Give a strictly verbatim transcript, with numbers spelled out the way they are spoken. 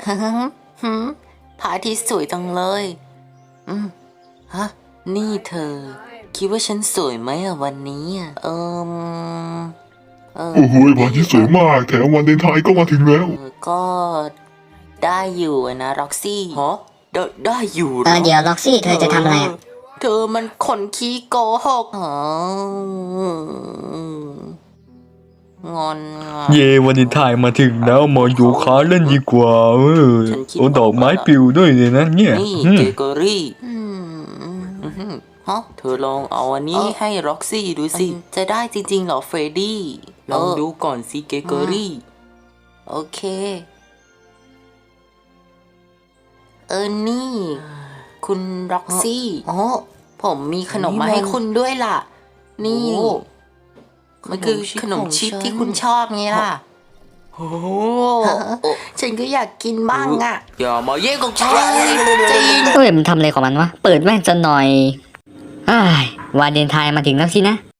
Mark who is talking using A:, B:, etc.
A: ฮึฮึพระอาทิตย์สวยจังเลยอืมฮะนี่เธอ คิดว่าฉันสวยไหมอะวันนี้อะเอิมเออ
B: โอ้โหพระอาทิตย์สวยมากแถมวันเลนไทน์ก็มาถึงแล้ว
A: เออก็ได้อยู่อะนะร็อกซี่ฮะได้ได้อยู่หร
C: เออเดี๋ยวล็อกซี่เธอจะทำอะไรอะ
A: เธอมันคนขี้โกหกอ๋องอนอ่ะ
D: เย่วันนี้ถ่ายมาถึงแล้วมาโยคะเล่นดีกว่าเออ
A: ฉันคิด
D: โอ้ดอกไม้
A: ว่า
D: ปลิวด้วยเลยนะเนี่ย
A: นี่
D: อืม
A: เกเกอรี่อืมอืมฮะเธอลองเอาอันนี้ให้ร็อกซี่ดูสิ จะได้จริงๆเหรอเฟรดดี้ ลองดูก่อนสิเกเกอรี่ โอเค เออนี่ คุณร็อกซี่อ๋อผมมีขนมมาให้คุณด้วยล่ะ นี่ มันคือขนมชิปที่คุณชอบไงล่ะ โอ้ฉันก็อยากกินบ้างอ่ะ อย่ามาแย่งของฉันใจเย็น
C: เฮ้ยมันทำอะไรของมันวะ เปิดแว่นจะหน่อยอ้ายวาเลนไทน์มาถึงแล้วสินะ